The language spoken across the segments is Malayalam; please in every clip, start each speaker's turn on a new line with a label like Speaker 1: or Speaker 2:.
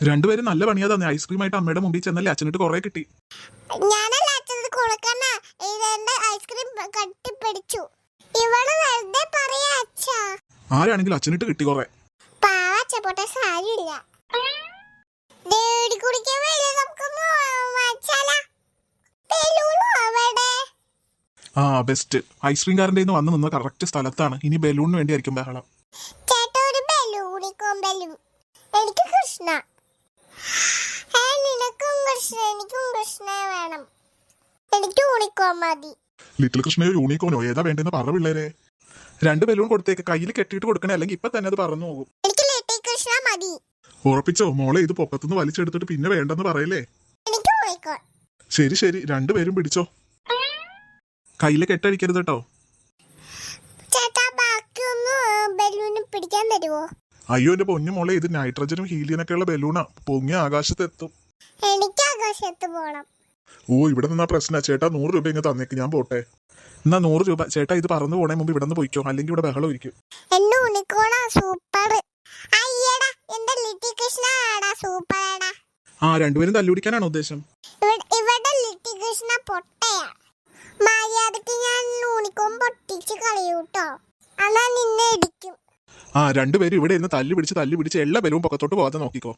Speaker 1: രണ്ടുപേരും നല്ല പണിയാ തന്നെ. ഐസ്ക്രീം ആയിട്ട് അമ്മയുടെ മുമ്പിൽ ചെന്നല്ലേ അച്ഛനിട്ട് കുറെ കിട്ടി.
Speaker 2: ഞാനല്ല അച്ഛനത് കൊടുക്കണ. ഇതെന്റെ ഐസ്ക്രീം കട്ടിപ്പിടിച്ചു. ഇവള് വെറുതെ പറയാ അച്ഛാ.
Speaker 1: ആരാണെങ്കിലും അച്ഛനിട്ട് കിട്ടി കുറെ.
Speaker 2: പാവച്ച പോട്ട സാരിയില്ല. ഡേഡി കുടിക്കാൻ വേണ്ടി നമുക്കൊന്ന് വച്ചാലാ. ബലൂണോ അവിടെ?
Speaker 1: ആ ബെസ്റ്റ്. ഐസ്ക്രീംകാരൻ്റെ നിന്ന് വന്ന് നിന്ന കറക്റ്റ് സ്ഥലത്താണ്. ഇനി ബലൂണിന് വേണ്ടിയായിരിക്കും ബഹളം.
Speaker 2: ചേട്ടാ ഒരു ബലൂണിക്കോം ബലൂൺ. എനിക്ക് കൃഷ്ണ. നിനക്കും കൃഷ്ണ. എനിക്കും കൃഷ്ണ വേണം. എനിക്ക് യൂണിക്കോൺ മതി.
Speaker 1: ലിറ്റിൽ കൃഷ്ണയോ യൂണിക്കോണോ ഏതാ വേണ്ടെന്ന് പറ പിള്ളേരെ. രണ്ട് ബലൂൺ കൊടുത്തേക്ക്. കയ്യിൽ കെട്ടിയിട്ട് കൊടുക്കണേ, അല്ലെങ്കിൽ ഇപ്പൊ തന്നെ അത് പറന്നു പോകും.
Speaker 2: എനിക്ക് ലിറ്റിൽ കൃഷ്ണ മതി.
Speaker 1: ഉറപ്പിച്ചോ മോളെ? ഇത് പൊക്കത്തുനിന്ന് വലിച്ചെടുത്തിട്ട് പിന്നെ വേണ്ടെന്ന് പറയല്ലേ.
Speaker 2: എനിക്ക് യൂണിക്കോൺ.
Speaker 1: ശരി ശരി, രണ്ടുപേരും പിടിച്ചോ. കയ്യില് കെട്ടടിക്കരുത് കേട്ടോ.
Speaker 2: ചേട്ടാ ബാക്കിയൊന്ന് ബലൂണ് പിടിക്കാൻ തരുമോ?
Speaker 1: അയ്യോ എന്റെ പൊന്നു മോളെ, ഇത് നൈട്രജനും ഹീലിയനൊക്കെ ഉള്ള ബലൂണാ. പൊങ്ങി ആകാശത്ത് എത്തും.
Speaker 2: എനിക്ക് ആകാശത്ത് പോണം.
Speaker 1: ഓ ഇവിടെ നിന്നാ പ്രശ്ന. ചേട്ടാ 100 രൂപ ഇങ്ങ് തന്നേക്ക്, ഞാൻ പോട്ടെ. എന്നാ 100 രൂപ. ചേട്ടാ ഇത് പറന്നു പോണേ മുമ്പ് ഇവിടെ നിന്ന് പോയിക്കോ, അല്ലെങ്കിൽ ഇവിടെ ബഹളം ഇരിക്കും.
Speaker 2: എന്റെ യൂണിക്കോണാ സൂപ്പർ. അയ്യടാ എന്റെ ലിറ്റിൽ കൃഷ്ണ ആടാ സൂപ്പർ ആടാ.
Speaker 1: ആ രണ്ടുപേരും തല്ലുപിടിക്കാനാണോ ഉദ്ദേശം?
Speaker 2: ഇവിടെ ലിറ്റിൽ കൃഷ്ണ പൊട്ടയാ. മര്യാദക്ക് ഞാൻ യൂണിക്കോൺ പൊട്ടിച്ച് കളയൂട്ടോ. അന്നാ നിന്നെ ഇടിക്കും.
Speaker 1: ആ രണ്ടുപേരും ഇവിടെ ഇരുന്ന് തല്ലു പിടിച്ച് എല്ലാ ബലവും പൊക്കത്തോട്ട് പോകാതെ നോക്കിക്കോ.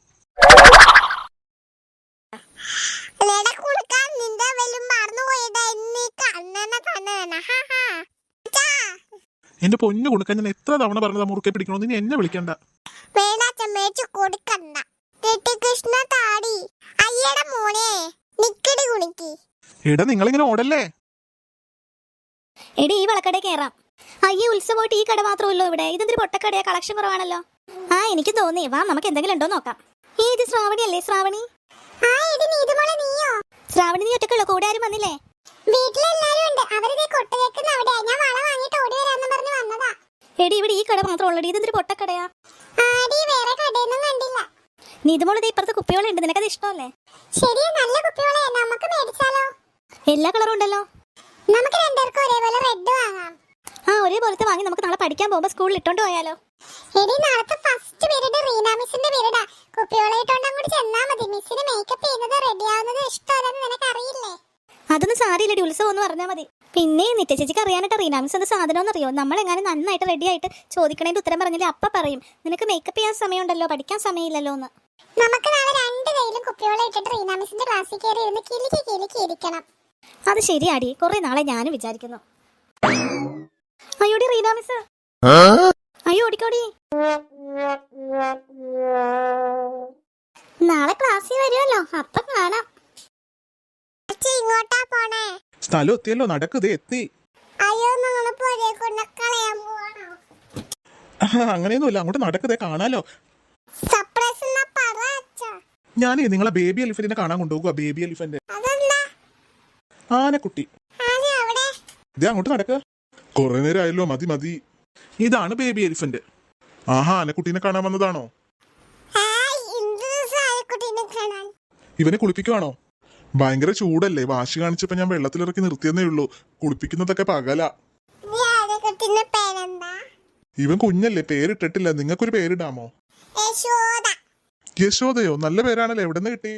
Speaker 2: നിന്റെ ബലൂൺ മറന്നു പോയതാ.
Speaker 1: എന്റെ പൊന്നു കൊടുക്കാൻ ഞാൻ എത്ര തവണ പറഞ്ഞതാ മുറുക്കെ പിടിക്കണോ. നീ എന്നെ വിളിക്കണ്ട.
Speaker 2: കൊടുക്കണ്ട. ലിറ്റിൽ കൃഷ്ണ താടി. അയ്യടാ മോനെ നിക്കടി കുണിക്ക്.
Speaker 1: എടാ നിങ്ങളിങ്ങനെ ഓടല്ലേ.
Speaker 3: എടി ഈ വളക്കട കയറാം. അയ്യേ ഉത്സവമായിട്ട് ഈ കട മാത്രമല്ലോ ഇവിടെ. ഇതെന്തൊരു പൊട്ടക്കടയാ, കളക്ഷൻ കുറവാണല്ലോ. ആ എനിക്ക് തോന്നി, വാ നമുക്ക് എന്തെങ്കിലും ഉണ്ടോ നോക്കാം. ഇത് ശ്രാവണി അല്ലേ? ശ്രാവണി ശ്രാവണി നീ ഒറ്റക്കുള്ളൂ? കൂടെ ആരും വന്നില്ലേ? എടി ഇവിടെ ഈ കട മാത്രം ഉള്ളടി. ഇതെന്തൊരു പൊട്ടക്കടയാ. നീതുമോളത് ഇപ്പുറത്ത് കുപ്പിയോളം ഉണ്ട്, നിനക്കത് ഇഷ്ടമല്ലേ? എല്ലാ കളറും ഉണ്ടല്ലോ. ആ ഒരേപോലത്തെ വാങ്ങി നമുക്ക് നാളെ പഠിക്കാൻ പോകുമ്പോ സ്കൂളിൽ ഇട്ടോണ്ട് പോയാലോ? അതൊന്നും സാരിയില്ലടി, ഉത്സവം എന്ന് പറഞ്ഞാൽ മതി. പിന്നെ നിത്യ ചേച്ചിക്ക് അറിയാനായിട്ട് റീനാ മിസ് എന്ത് സാധനം അറിയോ? നമ്മളെങ്ങാനും നന്നായിട്ട് റെഡി ആയിട്ട് ചോദിക്കണേന്റെ ഉത്തരം പറഞ്ഞില്ലേ അപ്പ പറയും നിനക്ക് മേക്കപ്പ് ചെയ്യാൻ സമയമുണ്ടല്ലോ, പഠിക്കാൻ സമയമില്ലല്ലോ എന്ന്. അത് ശരിയാടി, കുറെ നാളെ ഞാനും വിചാരിക്കുന്നു. അയ്യോടി റീനാ മിസ്, അയ്യോ ഓടിക്കോടി. നാളെ ക്ലാസ്സിൽ വരുമല്ലോ, അപ്പൊ കാണാം.
Speaker 2: ഇങ്ങോട്ടാ പോണേ?
Speaker 1: സ്ഥലം എത്തിയല്ലോ, നടക്കുതേ എത്തി.
Speaker 2: അയ്യോ ഞങ്ങള് പൊരേ കൊണ്ട് കളയാൻ പോവാണോ?
Speaker 1: അങ്ങനെയൊന്നുമില്ല, അങ്ങോട്ട് നടക്കുതേ കാണാലോ.
Speaker 2: സർപ്രൈസ് എന്നാ പറ അച്ഛാ.
Speaker 1: ഞാനേ നിങ്ങളെ ബേബി എലിഫന്റിനെ കാണാൻ കൊണ്ടുപോകുക. ബേബി എലിഫന്റ്
Speaker 2: അതെന്താ?
Speaker 1: ആനക്കുട്ടി.
Speaker 2: ആന എവിടെ?
Speaker 1: ഇതേ അങ്ങോട്ട് നടക്കുക. കുറെ നേരം ആയല്ലോ, മതി മതി. ഇതാണ് ബേബി എലിഫന്റ്. ആഹാ, ആനക്കുട്ടീനെ കാണാൻ വന്നതാണോ? ഇവനെ കുളിപ്പിക്കുവാണോ? ഭയങ്കര ചൂടല്ലേ, വാശി കാണിച്ചപ്പോ ഞാൻ വെള്ളത്തിലിറക്കി നിർത്തിയെന്നേ ഉള്ളൂ. കുളിപ്പിക്കുന്നതൊക്കെ പകല. ഇവൻ കുഞ്ഞല്ലേ, പേരിട്ടിട്ടില്ല. നിങ്ങൾക്കൊരു പേരിടാമോ? യശോദയോ? നല്ല പേരാണല്ലോ. എവിടെ നിന്ന് കിട്ടി?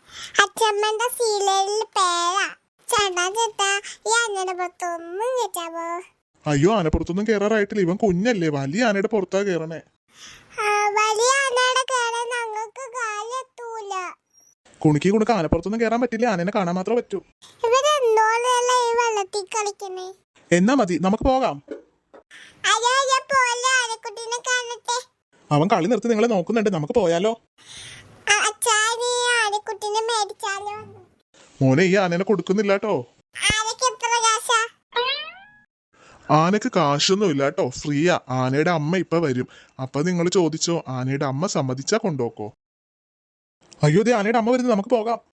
Speaker 1: അയ്യോ ആനപ്പുറത്തൊന്നും കേറാറായിട്ടില്ല. ഇവൻ കുഞ്ഞല്ലേ, വലിയ ആനയുടെ പുറത്താ കേറണേ. കുണിക്ക് കുണുക്ക് ആനപ്പുറത്തൊന്നും കേറാൻ പറ്റില്ല, ആനനെ കാണാൻ മാത്രമേ പറ്റൂ. എന്നാ മതി, നമുക്ക് പോകാം. അവൻ കളി നിർത്തി നിങ്ങളെ നോക്കുന്നുണ്ട്, നമുക്ക് പോയാലോ? മോനെ ഈ ആനനെ കൊടുക്കുന്നില്ല കേട്ടോ. ആനക്ക് കാശൊന്നും ഇല്ല കേട്ടോ, ഫ്രീയാ. ആനയുടെ അമ്മ ഇപ്പൊ വരും, അപ്പൊ നിങ്ങൾ ചോദിച്ചോ. ആനയുടെ അമ്മ സമ്മതിച്ചാ കൊണ്ടുപോക്കോ. അയ്യോ ദേ ആനയുടെ അമ്മ വരുന്നത്, നമുക്ക് പോകാം.